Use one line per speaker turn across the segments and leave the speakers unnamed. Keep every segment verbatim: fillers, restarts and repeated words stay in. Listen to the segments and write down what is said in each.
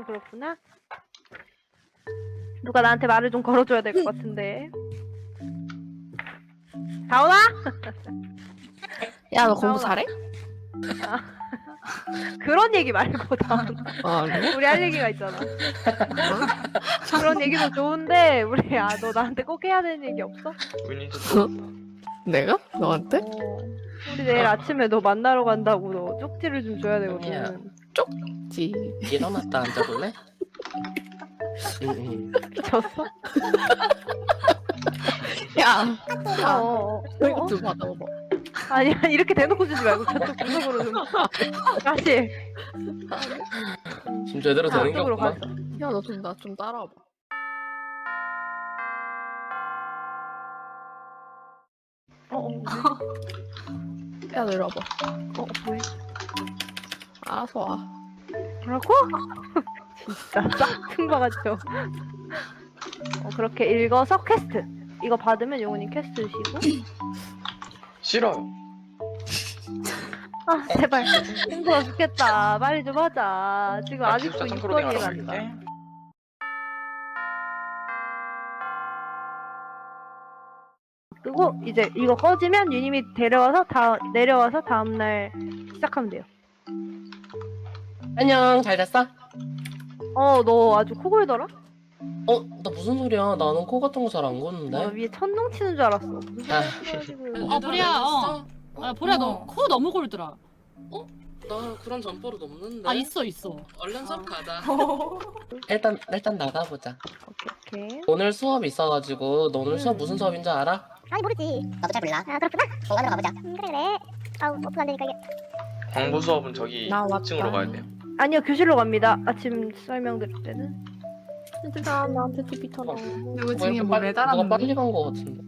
그렇구나. 누가 나한테 말을 좀 걸어줘야 될 것 같은데. 다온아?
야, 너 공부
나오나?
잘해?
아, 그런 얘기 말고 다온아.
아, 그래?
우리 할 얘기가 있잖아. 그런 얘기도 좋은데 우리 아 너 나한테 꼭 해야 되는 얘기 없어?
내가? 너한테?
어, 우리 내일 아침에 너 만나러 간다고 너 쪽지를 좀 줘야
아니야.
되거든.
지.
일어났다 앉아볼래? 응응.
미쳤어?
야,
어, 어, 어.
이거 좀 받아봐.
아니 아니 이렇게 대놓고 주지 말고 저쪽 구석으로 좀 다시
지금 제대로 되는 게
저쪽으로
없구만.
가자.
야, 너 좀 나 좀 따라와봐.
어, 어,
야, 내려와봐.
어, 뭐해?
알아서 와.
뭐라고? 진짜 싹퉁바 같죠? 어, 그렇게 읽어서 퀘스트. 이거 받으면 용훈이 퀘스트 주시고.
싫어요.
아, 제발. 힘들어 죽겠다. 빨리 좀 하자. 지금
아,
아직도
기숙사 선크로딩 하러
육건이란다.
갈게.
그리고 이제 이거 꺼지면 유님이 데려와서 다 내려와서 다음날 시작하면 돼요.
안녕, 잘 잤어?
어, 너 아주 코 골더라?
어, 나 무슨 소리야? 나는 코 같은 거 잘 안
너
고는데.
위에 천둥 치는 줄 알았어. 무슨
아.
소리야, 지금.
어, 보리야, 어. 아, 보리야, 너 코 너무 골더라.
나 그런 점퍼로 없는데.
아, 있어, 있어.
얼른
아.
수업 가자. 일단 일단 나가보자.
오케이, 오케이.
오늘 수업 있어가지고 너 오늘 수업
음.
무슨 수업인 줄 알아?
아니 모르지. 나도 잘 몰라. 아 그렇구나. 공간으로 가보자. 음, 그래 그래. 아우 오픈 안 되니까 이게.
광부 수업은 저기
나 왔다.
이 층으로 가야 돼요.
아니요, 교실로 갑니다. 아침 설명드릴 때는.
얘들아, 나한테 티비 터놔.
누구
뭐
중에
이렇게
뭐
빨리- 누가
매달았는데?
빨리 간 거 같은데.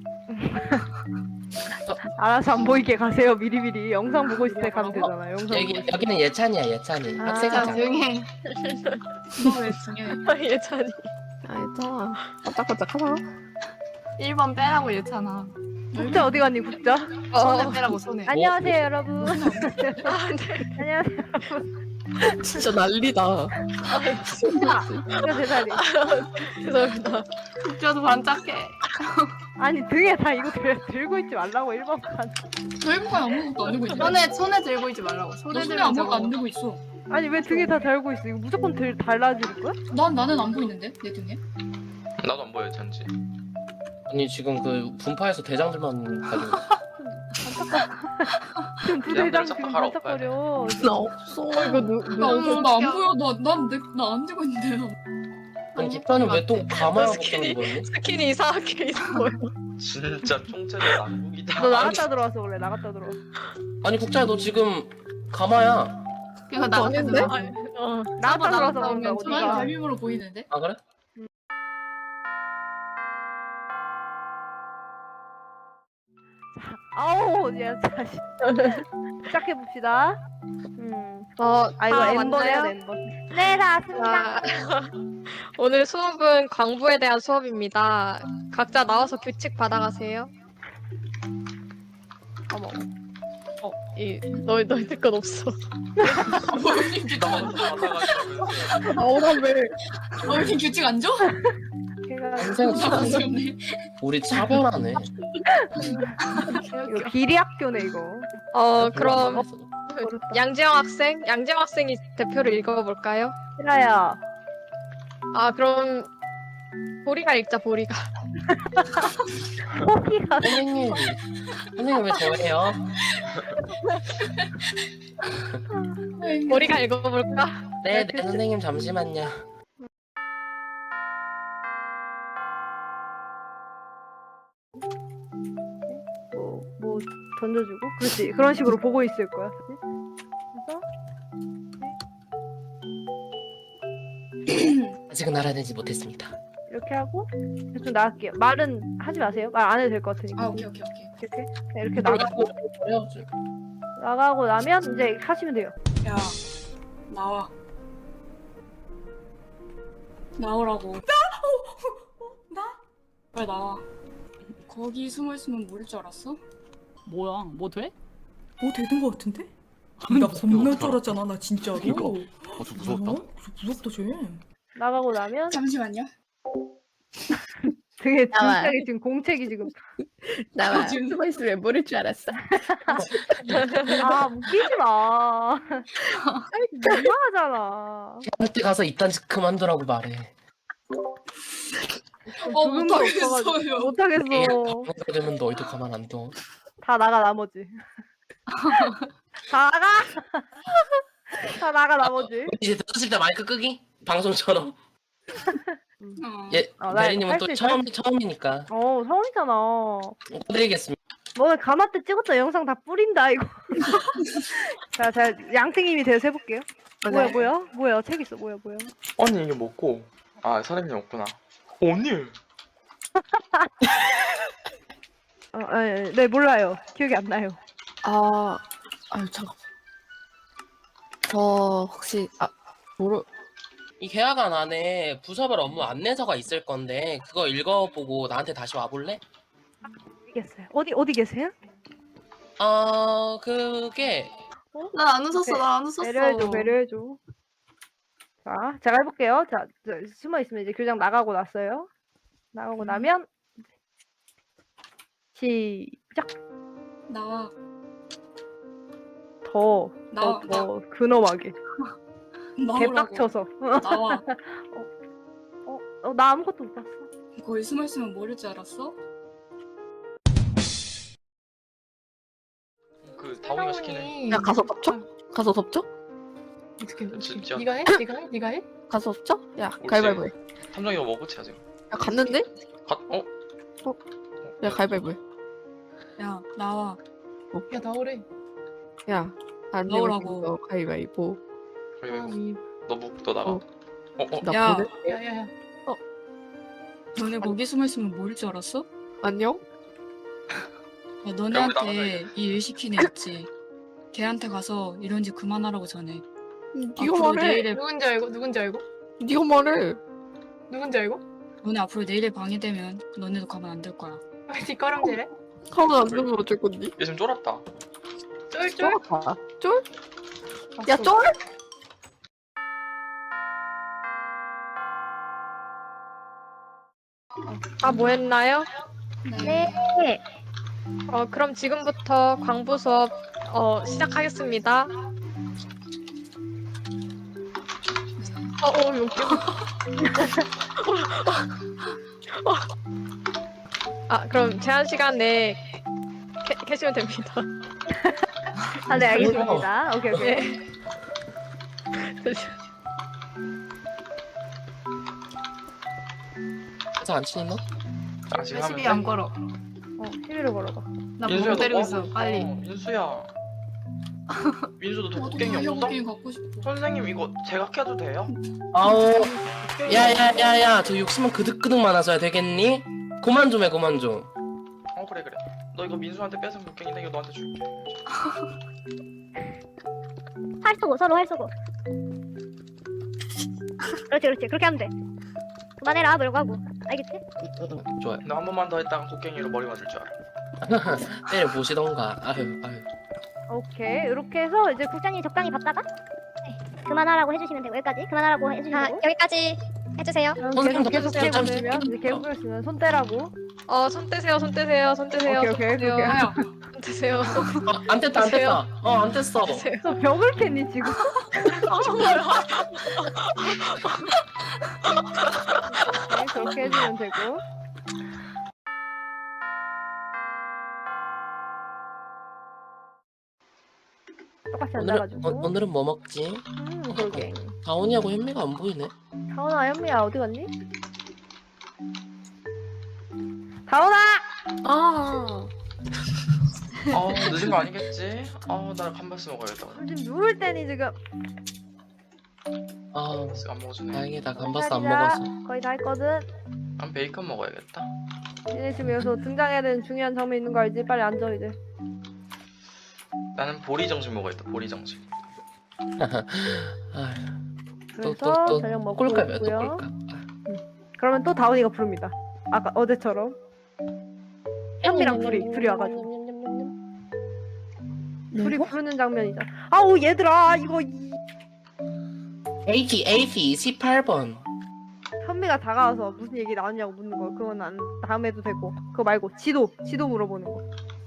알아서 안 보이게 가세요, 미리미리. 영상 보고 있을 때 가면 되잖아, 영상 보고
여기
있을 때.
여기는 예찬이야, 예찬이.
아,
자
학생이잖아.
조용히 해. 왜 중요해?
예찬이. 아, 얘들아. 깜짝깜짝하다.
일 번 빼라고 얘잖아.
국자 어디 갔니, 국자?
손에 빼라고 손에.
안녕하세요, 여러분. 안녕하세요.
진짜 난리다.
이거 제 자리.
죄송합니다.
국자도 반짝해.
아니, 등에 다 이거 들, 들고 있지 말라고, 일 번 칸.
저희부가 아무것도 안 들고 있는데?
손에 손에 들고 있지 말라고.
너
손에
손에
들면
아무것도
저거.
안 들고 있어.
아니, 왜 등에 다 달고 있어? 이거 무조건 들, 달라질 거야?
난, 나는 안 보이는데? 내 등에?
나도 안 보여 잔지.
아니 지금 그 분파에서 대장들만 가지고 있어.
지금 부대장
그냥
지금
하러
반짝거려.
나 없어. 이거 누,
나
누,
없어, 나 안 보여. 나, 난, 내, 나안 들고 있는데.
아니 국가는 왜 또 가마야 복장 입었니?
스킨이 이상하게 있어.
진짜 총체적 난국이다.
너 나갔다 들어와서 그래, 나갔다 들어와.
아니 국자야 너 지금 가마야.
이거 나갔다
아닌데?
들어와.
어, 나갔다 들어와서
나갔다
그런다고,
저만이
니가.
별명으로 보이는데?
아 그래?
아우, 야, 다시. 시작해봅시다. 음.
어,
아, 이거
다
엠번 해야 돼,
맞나요?
엠번. 네, 다 왔습니다.
아, 오늘 수업은 광부에 대한 수업입니다. 각자 나와서 규칙 받아가세요. 어머. 어, 이, 너희, 너희들 건 없어.
나만 받아가지고.
나오라며.
어, 이렇게 규칙 안 줘?
걔가
인생
아, 귀엽네.
우리 차별하네.
이거 비리 학교네, 이거.
어, 그럼
어렵다.
양재영 학생? 양재영 학생이 대표를 읽어볼까요?
싫어요.
아, 그럼 보리가 읽자, 보리가.
호기가.
선생님, 선생님 왜 저예요?
보리가 읽어볼까?
네, 네 선생님 잠시만요.
뭐, 뭐 던져주고. 그렇지. 그런 식으로 보고 있을 거야. 그치? 그래서
아직은 알아내지 못했습니다.
이렇게 하고 좀 나갈게요. 말은 하지 마세요. 말 안 해도 될 것 같으니까.
아, 오케이, 오케이, 오케이.
이렇게 네, 이렇게 나가고
해야지.
나가고 나면 이제 하시면 돼요.
야 나와. 나오라고. 나? 나? 빨리 나와. 거기 숨어 있으면 모를 줄 알았어?
뭐야, 뭐 돼?
뭐 되는 거 같은데? 나 겁나 쫄았잖아 나 진짜로. 저 무섭다.
어? 저 무섭다 쟤.
나가고 나면
잠시만요.
되게
나와.
진지하게 지금 공책이 지금
나와.
지금-
숨어 있으면 모를 줄 알았어.
아 웃기지 마. 민망하잖아.
한테 가서 이딴 짓 그만두라고 말해.
어
조금도
못하겠어요.
없어가지고. 못하겠어.
방송가 되면 너희도 가만 안 둬.
다 나가 나머지. 다 나가. 다 나가 나머지.
이제 들었을 때 마이크 끄기? 방송처럼.
어.
예,
어, 나
대리님은
할
또
수 있어,
처음
할 수
처음이니까
어 처음이잖아.
드리겠습니다.
너네 가마 때 찍었던 영상 다 뿌린다 이거. 자, 자 양띵님이 대서 해볼게요. 뭐야 뭐야 뭐야 책 있어 뭐야 뭐야.
언니 이게 먹고 아 사람이 없구나. 언니
어, 네, 네 몰라요. 기억이 안 나요.
아, 아유 잠깐. 저 혹시 아 모르
이 계약안 안에 부서별 업무 안내서가 있을 건데 그거 읽어보고 나한테 다시 와볼래?
알겠어요. 어디 어디 계세요?
어 그게
난 안 웃었어. 난 안 웃었어.
배려해줘 배려해줘. 자 제가 해볼게요. 자 저, 숨어 있으면 이제 교장 나가고 났어요. 나가고 나면 시작.
나와.
더
나와.
더, 더 근엄하게
나오라고.
개빡쳐서.
나와.
어, 어, 나 아무것도 못 봤어.
거기 숨어 있으면 모를 줄 알았어?
그 다운이가 시키네.
야 가서 덮쳐? 가서 덮쳐?
어떻게
진짜.
네가 해? 네가 해? 네가 해?
가서 덮쳐? 야
옳지.
가위바위보 해.
탐정이가 먹었지 아직.
야 갔는데?
가 어?
야 가위바위보 해.
야 나와.
야 나오래.
야 안 되면
나오라고.
너 가위바위보.
가위바위보. 너묵너 나가.
어.
어 어.
나
야.
보내?
야야야.
너네 거기 숨어 있으면 모를 줄 알았어?
안녕?
야,
야,
너네한테
우리
이 일 시킨 애 있지? 걔한테 가서 이런 짓 그만하라고 전해.
네가
앞으로
말해.
내일에
누군지 알고? 누군지 알고?
네가 말해.
누군지 알고?
너네 앞으로 내일에 방해되면 너네도 가만 안 둘 거야.
왜 뒷걸음질해?
가만 안 두면 어쩔 건데?
얘 지금 쫄았다.
쫄쫄.
쫄아. 쫄? 야 쫄?
아, 뭐 했나요?
네.
어, 그럼 지금부터 광부 수업 어, 시작하겠습니다. 어, 어, 웃겨. 아, 그럼 제한 시간 내에 캐, 캐시면 됩니다.
아, 네, 알겠습니다. 오케이, 오케이.
네.
회사 안 치니 너?
아 지금 하면
시비
돼?
안 걸어.
어, 시비를 걸어봐.
나
민수야,
보고 때리고
너
있어.
뭐?
빨리.
어, 민수야. 민수도
나도
도곡갱이 없어?
달려곡갱이 갖고 싶어.
선생님 이거 제각해도 돼요?
아우
곡갱이
야야야야 저 욕심은 그득그득 많아서야 되겠니? 그만 좀 해 그만 좀.
어 그래 그래. 너 이거 민수한테 뺏은 곡갱인데 이거 너한테 줄게.
활 쏘고 서로 활 쏘고. 그렇지 그렇지 그렇게 하면 돼. 그만해라 뭐라고 하고. 알겠지?
좋아요.
너 한 번만 더 했다가 곡갱이로 머리 맞을 줄 알아.
때려 보시던가. 아유 아유.
오케이. 이렇게 해서 이제
국장님 적당히 봤다가 네, 그만하라고 해주시면 되고 여기까지 그만하라고 해주시면
아,
되고.
여기까지 해주세요.
그럼
선생님도
계속 계속
좀
떼보시면 이제 계속 떼시면 손 떼라고.
어, 손 떼세요, 손 떼세요, 손 떼세요.
오케이,
손
오케이,
떼세요.
오케이.
야,
손 떼세요.
어, 안 뗐다 안 뗐다. 어안 뗐어.
떼세요.
너 벽을 팼니 지금? 네, 그렇게 해주면 되고. 똑같이
오늘은
앉아가지고.
어, 오늘은 뭐 먹지?
음, 그러게.
다온이하고 현미가 안 보이네.
다원아, 현미야 어디 갔니? 다원아!
아.
어 늦은 거 아니겠지? 어나 감바스 먹어야겠다.
지금 누울 때니 지금.
아
감바스 안 먹어주네.
다행이다 감바스 안
기다리자.
먹어서.
거의 다 했거든.
난 베이컨 먹어야겠다.
니네 지금 여기서 등장해야 되는 중요한 장면 있는 거 알지? 빨리 앉아 이제.
나는 보리 정식 먹어야겠다. 보리 정식.
아유
그래서
또, 또,
저녁 먹고
꼴값이야 또
있고요.
꼴값.
그러면 또 다운이가 부릅니다. 아까 어제처럼. 현미랑 둘이 둘이 와가지고 둘이 부르는 장면이잖아. 아우 얘들아 이거 이...
에이티 에이티 십팔 번.
현미가 다가와서 무슨 얘기 나왔냐고 묻는 거. 그건 안 다음에도 되고. 그거 말고 지도 지도 물어보는 거.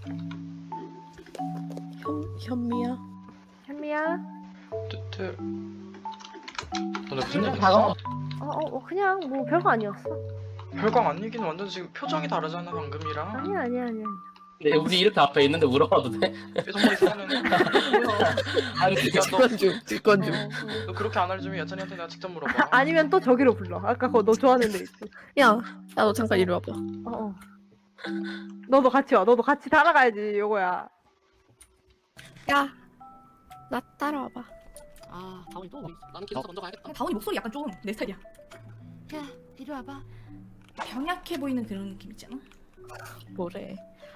현, 현미야?
현미야.
뜨뜨. 오늘 무슨 얘기
다가와.
했어?
어, 어, 어 그냥 뭐 별거 아니었어.
별광 안 얘기는 완전 지금 표정이 다르잖아 방금이랑.
아니야 아니야 아니야.
네, 우리 이렇게 앞에 있는데 물어봐도 돼?
표정이 이상하네.
아니,
야, 너,
직권 중, 직권 중.
너 그렇게 안 알려주면 여찬이한테 내가 직접 물어봐.
아니면 또 저기로 불러. 아까 그거 너 좋아하는 데 있지.
야, 야, 너 잠깐 이리 와봐.
어, 어. 너도 같이 와. 너도 같이 따라가야지, 요거야.
야, 나 따라와봐.
아, 다원이 또 어디 있어? 나는 기숙사 먼저 가야겠다.
다원이 목소리 약간 좀 내 스타일이야.
야, 이리 와봐.
병약해 보이는 그런 느낌 있잖아.
뭐래?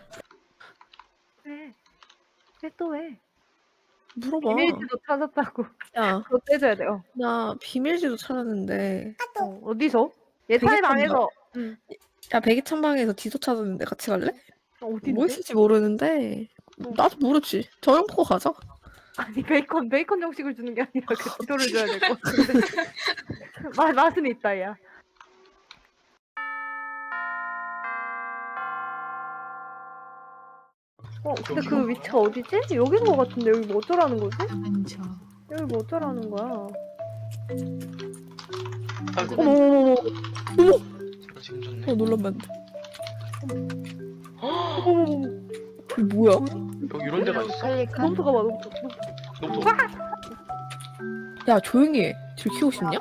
왜? 왜 또 왜?
물어봐.
비밀지도 찾았다고.
야,
그거 떼줘야 돼요.
나 비밀지도 찾았는데.
어, 어디서? 예찬이
되게
방에서. 응.
야, 백이찬 방에서 지도 찾았는데 같이 갈래?
어딘데?
뭐 있을지 모르는데. 나도 모르지. 저녁 먹고 가자.
아니 베이컨 베이컨 정식을 주는 게 아니라 그 지도를 줘야 될 것 같은데. 맛 맛은 있다 야. 어 근데 그 위치가 어디지? 여긴 것 같은데 여기 뭐 어쩌라는 거지?
앉아.
여기 뭐 어쩌라는 거야?
아이고,
어머 어머 어머
너 지금 좋네.
어, 놀라면 안 돼.
헉,
어머 어머
이게 뭐야?
여기 이런 데가 있어?
너부터 가봐 너부터.
너부터.
야, 조용히 해. 들키고 싶냐?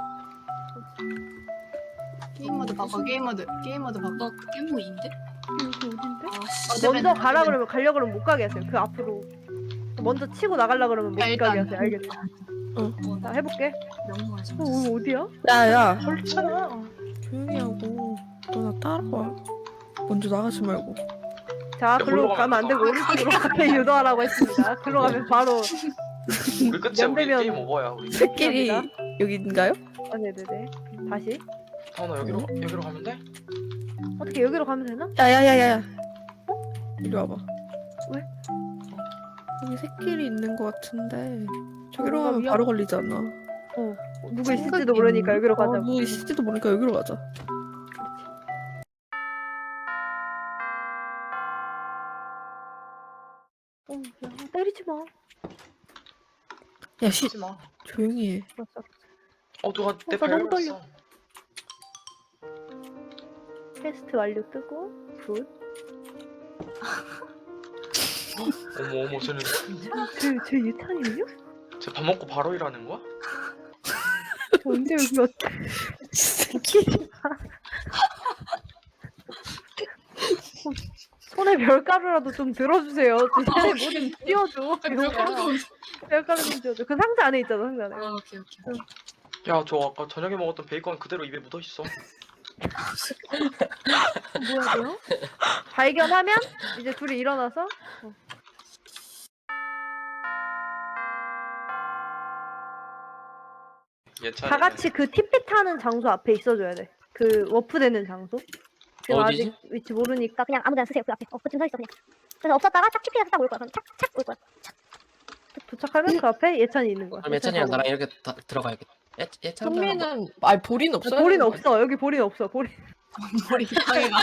게임모드 바꿔. 게임모드. 게임모드 바꿔. 그 게임모드인데?
여기 어딘데?
아,
먼저 가라 그러면 가려 그러면 못 가게 하세요. 그 앞으로. 먼저 치고 나가려 그러면 못
야,
가게
일단.
하세요. 알겠죠?
어,
자 해볼게.
명령하지.
어, 어 어디야?
야, 야.
그렇잖아.
조용히 하고. 너 나 따라와. 먼저 나가지 말고.
자,
야,
글로
글로
가면 안 되고
가면
오른쪽으로 가게 유도하라고 했습니다. 글로 가면 바로
우리 끝이야. 우리
연대면-
게임 오버야. 우리.
새끼리
감사합니다.
여기인가요?
아, 네네네. 다시
다원아 여기로 여기로 가면 돼?
어떻게 여기로 가면 되나?
야야야야야. 이리 와봐.
왜?
여기 새끼리 있는 것 같은데. 저기로
뭔가
가면
위험-
바로 걸리잖아.
어 누구 있을지도 모르니까 여기로 가자.
어, 누구 있을지도 모르니까 여기로 가자.
어, 야, 때리지 마.
야, 씨,
하지 마.
조용히 해.
알았어, 알았어.
어 누가 내
어, 나 너무
밟았어.
퀘스트 완료 뜨고 굿.
어머 어머 쟤는
쟤쟤 유탄이에요?
쟤 밥 먹고 바로 일하는 거야?
저 언제 여기 왔? 손에 별가루라도 좀 들어주세요. 손에 뭐좀 띄워줘.
별가루가 어디-
별가루 좀 띄워줘. 그 상자 안에 있잖아 상자 안에.
아, 오케이, 오케이.
야 저 아까 저녁에 먹었던 베이컨 그대로 입에 묻어 있어.
뭐야 뭐야? 발견하면 이제 둘이 일어나서
예찬이.
다 같이 그 티피 타는 장소 앞에 있어줘야 돼. 그 워프 되는 장소. 지금
어디지?
아직 위치 모르니까
그러니까 그냥 아무데나 쓰세요. 그 앞에. 어, 그쯤 서 있어 그냥. 그래서 없었다가 딱 티피에서 딱 올 거야. 그럼 착착 올 거야.
도착하면 그 앞에 예찬이 있는 거야.
그럼 예찬이랑 나랑 이렇게 다, 들어가야겠다. 예, 예찬이랑
현미는 아니 볼인 없어요?
볼인 없어. 여기 볼인 없어. 볼인.
머리 이상해가.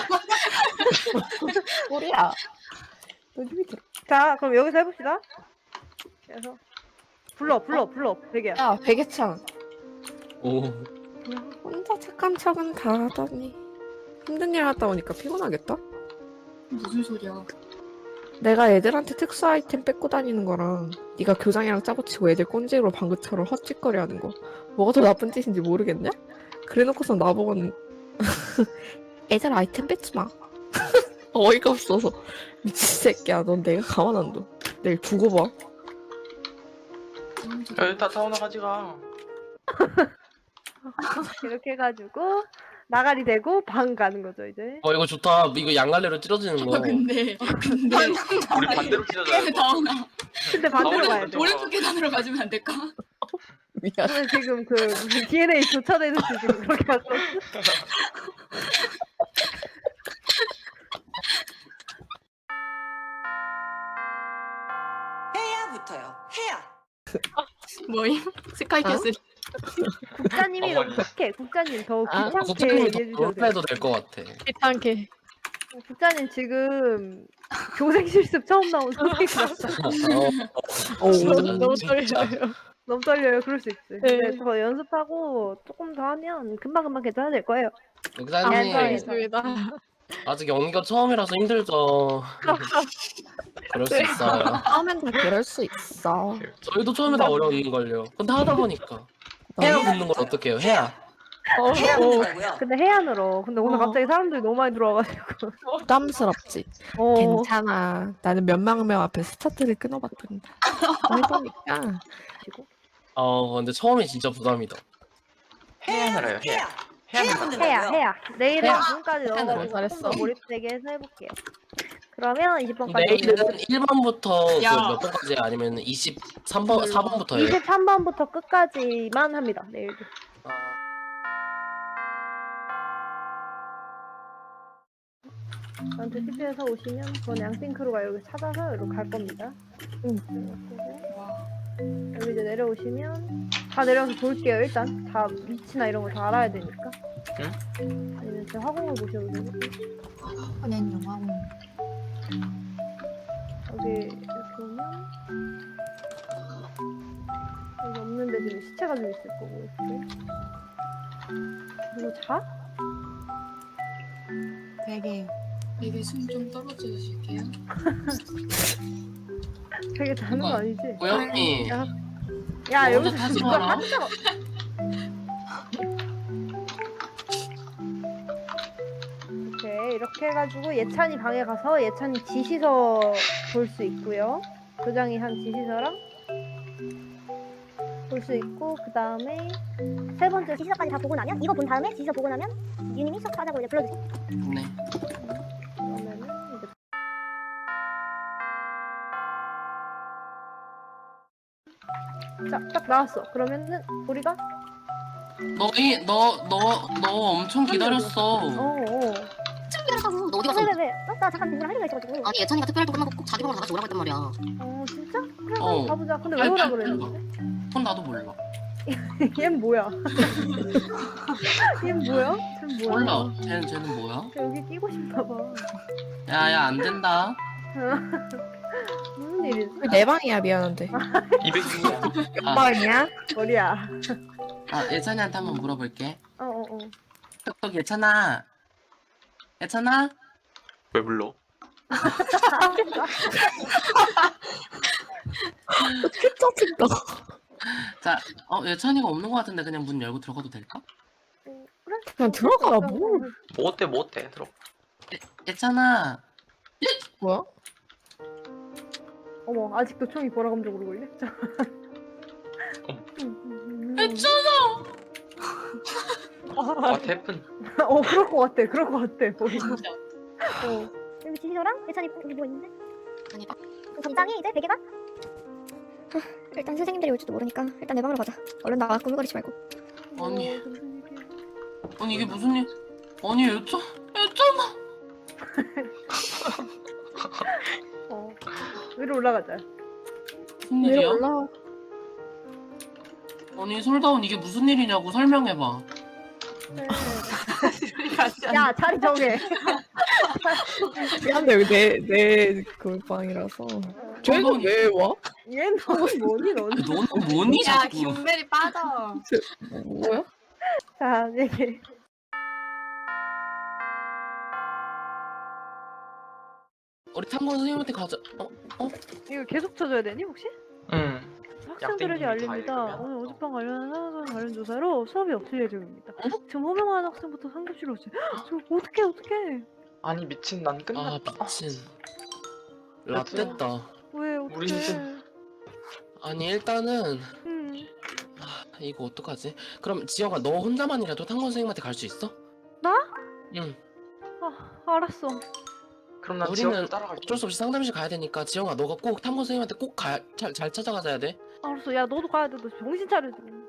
볼이야.
자, 그럼 여기서 해봅시다. 그래서 불러, 불러, 불러. 베개야.
야, 백예찬.
오.
혼자 착한 척은 다 하더니 힘든 일 하다 오니까 피곤하겠다.
무슨 소리야?
내가 애들한테 특수 아이템 뺏고 다니는 거랑 네가 교장이랑 짜고 치고 애들 꼰지로 방긋처럼 헛짓거리하는 거 뭐가 더 나쁜 짓인지 모르겠냐? 그래놓고서 나보고는 애들 아이템 뺏지 마. 어이가 없어서 미친 새끼야. 넌 내가 가만 안 둬. 내일 두고 봐.
야 일단 다원아 가지가.
이렇게 해가지고 나가리 되고 방 가는 거죠 이제.
어 이거 좋다. 이거 양갈래로 찌러지는 거.
아, 근데 근데
우리 반대로 찢어져야 돼.
다원아
근데 반대로 가야 돼.
오른쪽 계단으로 가주면 안 될까?
미안.
오늘 지금 그 무슨 디엔에이 교차되듯이 지금 그렇게 갔어.
해야부터요. 해야.
뭐임? 스카이캐슬.
국자님이 너무
어머니.
착해. 국자님 더
아,
귀찮게
국장님이 더
얘기해주셔도 돼요.
롤플해도 될 것 같아.
귀찮게.
국자님 지금 교생 실습 처음 나온 선생님 같아.
어,
오.
진짜,
너무
진짜.
떨려요.
너무 떨려요. 그럴 수 있지.
네.
근데 더 연습하고 조금 더 하면 금방금방 괜찮아질 거예요.
국장님
감사합니다.
아직 연기가 처음이라서 힘들죠. 그럴 수 있어요.
처음엔 다 그럴 수 있어.
저희도 처음에 다 어려운 걸요. 근데 하다 보니까 해야 붙는 걸 어떻게 해요? 해야.
어,
해야
어.
된다고요?
근데 해안으로. 근데 오늘
어.
갑자기 사람들이 너무 많이 들어와가지고.
부담스럽지.
어.
괜찮아. 나는 몇만 명 앞에 스타트를 끊어봤단다. 해보니까
어 근데 처음이 진짜 부담이다.
해안을 해요. 해안.
해야
해안.
된다고요?
해야 해야. 내일은
해야.
지금까지 넣어가지고
잘했어.
조금 더 몰입되게 해서 해볼게요. 그러면 이십 번까지.
내일은 일 번부터
야.
몇 번까지 아니면 이십삼 번, 사 번부터 해요?
이십삼 번부터 끝까지만 합니다. 내일도. 저한테 티피에서 오시면 전 양띵크루가 여기 찾아서 여기로 갈 겁니다. 응. 여기 이제 내려오시면 다 내려와서 볼게요. 일단 다 위치나 이런 거 다 알아야 되니까. 아니면 제 화공을 보셔도 되고.
화낸 영화고.
여기 이렇게 오면 여기 없는데 지금 시체가 좀 있을 거고 이렇게. 그리고 자?
베개.
베개 숨 좀 떨어져 주실게요.
되게 자는 거 아니지?
고영이
야
너
여기서
혼자 타지
진짜
마라.
한자 오케이 이렇게 해가지고 예찬이 방에 가서 예찬이 지시서 볼 수 있고요. 교장이 한 지시서랑 볼 수 있고 그 다음에
세 번째 지시서까지 다 보고 나면 이거 본 다음에 지시서 보고 나면 유님이 수업 하자고 이제 불러주세요.
네.
그러면은 이제 자딱 나왔어. 그러면은 우리가
너희 너너 너 엄청 기다렸어.
어어
너 어디 갔어? 왜왜 왜? 어? 나 잠깐 누구랑 할 얘기가 있어가지고. 아니 예찬이가 특별 활동 끝나고 꼭 자기 방으로 다 같이 오라고 했단 말이야.
어 진짜? 그래
어.
한번 가보자. 근데 왜 오라 그랬는데?
그건 나도 몰라.
얜 뭐야? 얜 뭐야? 쟤 뭐야?
몰라. 쟤는 쟤는 뭐야?
쟤 여기 끼고 싶나 봐.
야야 안 된다.
무슨 일이지?
내 방이야 미안한데.
이백 중이야.
몇
아.
방이야?
머리야.
아 예찬이한테 한번 물어볼게.
어어 어.
톡톡 예찬아. 예찬아?
왜 불러?
짜증나.
자, 어 예찬이가 없는 것 같은데 그냥 문 열고 들어가도 될까?
어, 그래?
그냥 들어가 뭘.
뭐 어때 뭐 어때 들어.
예찬아.
뭐야?
어머 아직도 총이 보라 감정으로 걸려? 자.
예찬아.
와 태풍.
어 그럴 것 같아. 그럴 것 같아. 머리. 어.
여기 지시서랑 예찬이 여기 뭐 있는데? 아니 그 점장이 이제 베개가? 일단 선생님들이 올지도 모르니까 일단 내 방으로 가자. 얼른 나가 꾸물거리지 말고.
아니.
어, 무슨 일이야.
아니 이게 무슨 일? 아니 예찬 예찬아.
어. 위로 올라가자.
무슨
왜
일이야?
올라?
아니 솔다운 이게 무슨 일이냐고 설명해봐.
네. 야 자리 정해.
미안한데 여기 내내그 방이라서. 쟤는 왜 와?
얘는 너무 뭐니 너는?
아니, 너는 뭐니
야
자꾸.
김벨이 빠져.
뭐야?
자 얘기.
우리 탐구 선생님한테 가자. 어? 어?
이거 계속 쳐줘야 되니 혹시?
응.
학생들에게
약대님이 다
알립니다.
읽으면?
오늘 어젯밤 관련한 상황 관련 조사로 수업이 없을 예정입니다.
어?
지금 호명하는 학생부터 상급실로 오세요. 저 어떡해 어떡해.
아니 미친 난
아
끝났다.
미친. 라떼다.
왜 어떡해.
우리 이제-
아니 일단은
음.
아, 이거 어떡하지? 그럼 지영아 너 혼자만이라도 탐구 선생님한테 갈 수 있어?
나?
응.
아 알았어.
그럼 난
우리는
지영 따라갈게.
어쩔 수 없이 상담실 가야 되니까 지영아 너가 꼭 탐구 선생님한테 꼭 잘 잘 찾아가야 돼.
알았어. 야 너도 가야 돼. 너 정신 차려 지금.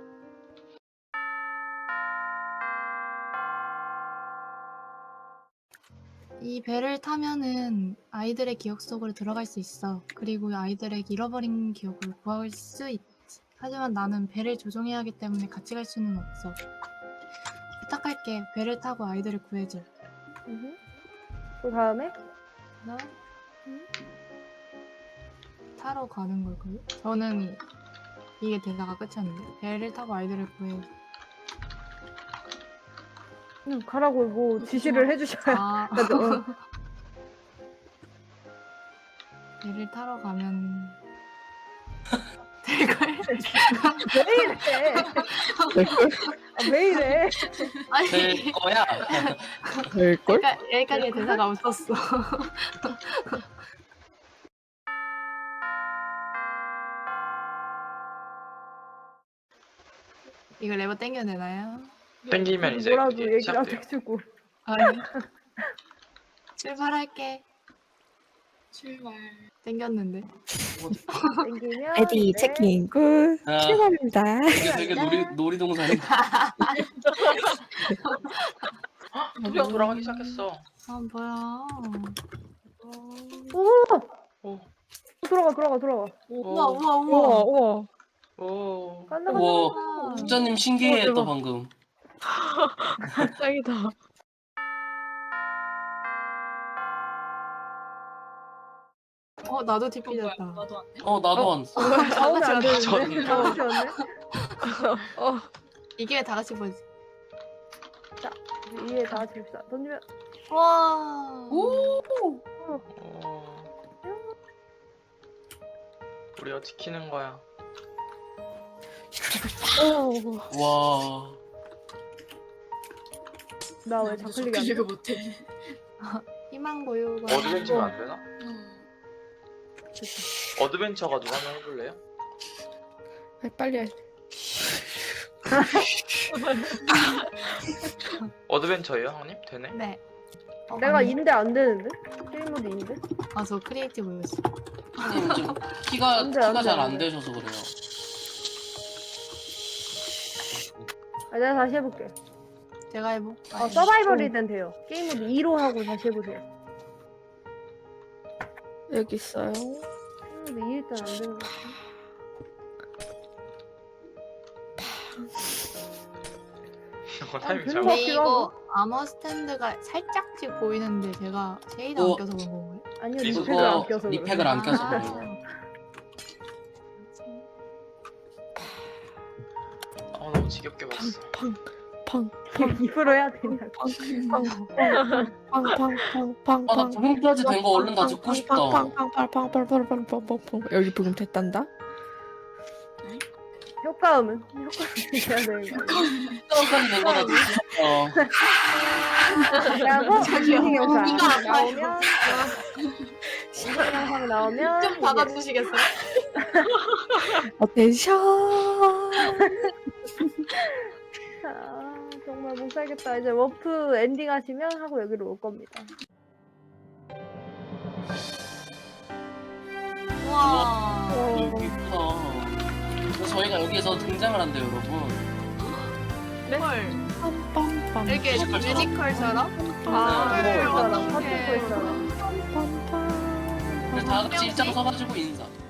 이 배를 타면은 아이들의 기억 속으로 들어갈 수 있어. 그리고 아이들의 잃어버린 기억을 구할 수 있. 하지만 나는 배를 조종해야 하기 때문에 같이 갈 수는 없어. 부탁할게. 배를 타고 아이들을 구해줘.
음흠. 그 다음에
나 타러 가는 걸걸요? 저는 이게 대사가 끝이었는데 배를 타고 아이들을 구해.
그냥 가라고 뭐 지시를 해주셔야
아
되죠. 어.
배를 타러 가면 될걸?
왜 이래? 아, 왜 이래?
아니
될 거야.
될걸?
그러니까 여기까지 대사가 없었어. 이거 레버 땡겨도 되나요?
땡기면 이제
뭐라도
이게
얘기를 안
시작돼요.
해주고.
아니 출발할게.
출발.
땡겼는데.
땡기면
레디
이제
체킹 굿.
아,
출발입니다.
이게 되게 놀이 놀이동산인데.
드디어 돌아가기 시작했어.
아 뭐야?
오!
오,
들어가 들어가 들어가.
우와 우와
우와
우와.
우와.
오.
간다 간다.
우와.
간다.
국장님 신기해
어,
또
대박.
방금.
짱이다.
어 나도
어, 뭐야?
디피졌다.
나도 안 돼?
어 나도 안 써.
나오면 안 되는데.
전-
다 같이 왔네.
어.
이게 다 같이 보지.
위에 다 같이 봅시다. 던지면
와.
오.
오. 우리가 지키는 거야.
와.
나 왜 좌클릭이 안 돼?
클릭을 못해.
희망 고요가.
어드벤처가 안 되나?
음.
어드벤처가 누가 한번 해볼래요?
빨리 해.
어드벤처예요, 형님? 되네?
네. 어,
내가
아니.
인데 안 되는데? 게임 모드 인데?
아, 저 크리에이티브였어.
형님 지금 키가
안 돼, 안
키가
돼,
잘
안
안
돼.
되셔서 그래요.
아, 내가 다시 해볼게.
제가 해보.
어, 서바이벌이든 돼요. 게임 모드 이로 하고 다시 해보세요.
여기 있어요.
게임 모드 이일 땐 안 되는 것 같아.
이거 타이밍
되는
잘못.
거
근데
같기도
이거 아머 스탠드가 살짝씩 보이는데 제가 쉐이드 안
어.
껴서 그런 건가요?
아니요,
이거
리팩을 안 껴서. 그래.
리팩을 안 껴서
아.
그래요.
아, 너무 지겹게 봤어.
팡. 팡.
입으로 해야 되냐?
팡팡팡팡팡팡팡.
아나 부금까지 된 거 얼른 다 듣고 싶다.
팡팡팡팡팡팡팡팡팡. 여기 부금 됐단다.
효과음은? 효과음 해야 되는 거
부금까지 된 거 다 듣고 싶다.
그리고
저기요.
인생 영상
이가 아파요.
나오면 인생 영상 나오면
좀
이제
받아주시겠어요?
어텐션.
아, 정말 못 살겠다. 이제 워프 엔딩 하시면 하고 여기로 올 겁니다.
우와.
어,
여기 있구나. 그래서 저희가 여기에서 등장을 한대요, 여러분.
헐.
빰빰빰.
이렇게 뮤지컬처럼?
아,
헐,
파트코 있잖아.
어떡해.
파트코 있잖아.
빰빰빰.
그래서 다 같이 입장 서가지고 인사.